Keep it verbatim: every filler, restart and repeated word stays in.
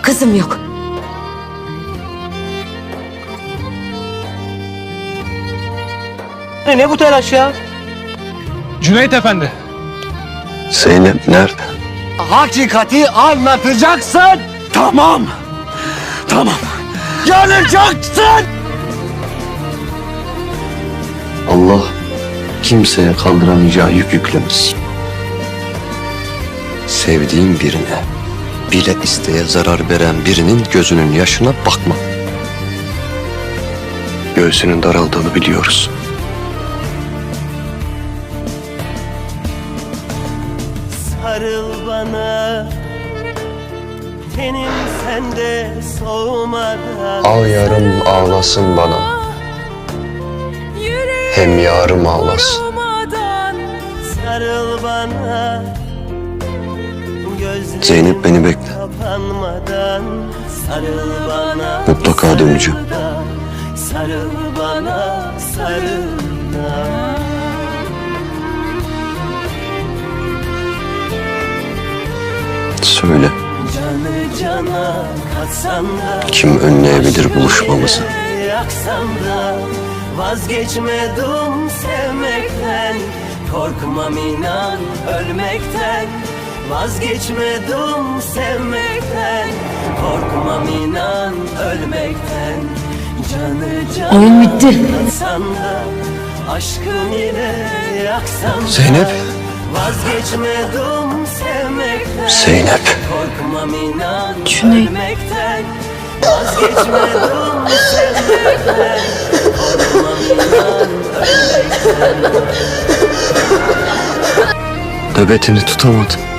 Kızım yok. Ne bu telaş ya? Cüneyt Efendi. Zeynep nerede? Hakikati anlatacaksın. Tamam. Tamam. Yanacaksın. Allah kimseye kaldıramayacağı yük yüklemez. Sevdiğim birine bile isteye zarar veren birinin gözünün yaşına bakma. Göğsünün daraldığını biliyoruz. Sarıl bana, tenim sende soğumadan. Al yarım ağlasın bana, hem yarım ağlasın. Sarıl bana, gözlerim Zeynep beni bekle. kapanmadan. Sarıl bana, Mutlaka döneceğim. sarıl da, sarıl bana, sarıl da. Söyle, Canı cana katsan da, kim önleyebilir buluşmamızı? yaksan da, vazgeçmedim sevmekten. Korkmam inan ölmekten. Vazgeçmedim sevmekten. Korkmam inan ölmekten. Canı cana Oyun bitti. katsan da, aşkın ile yaksan da. Zeynep. Vazgeçmedim sevmekten. Zeynep. Korkmam inan Cüneyt. ölmekten. Vazgeçmedim sevmekten. Korkmam inan ölmekten. Nöbetini tutamadın.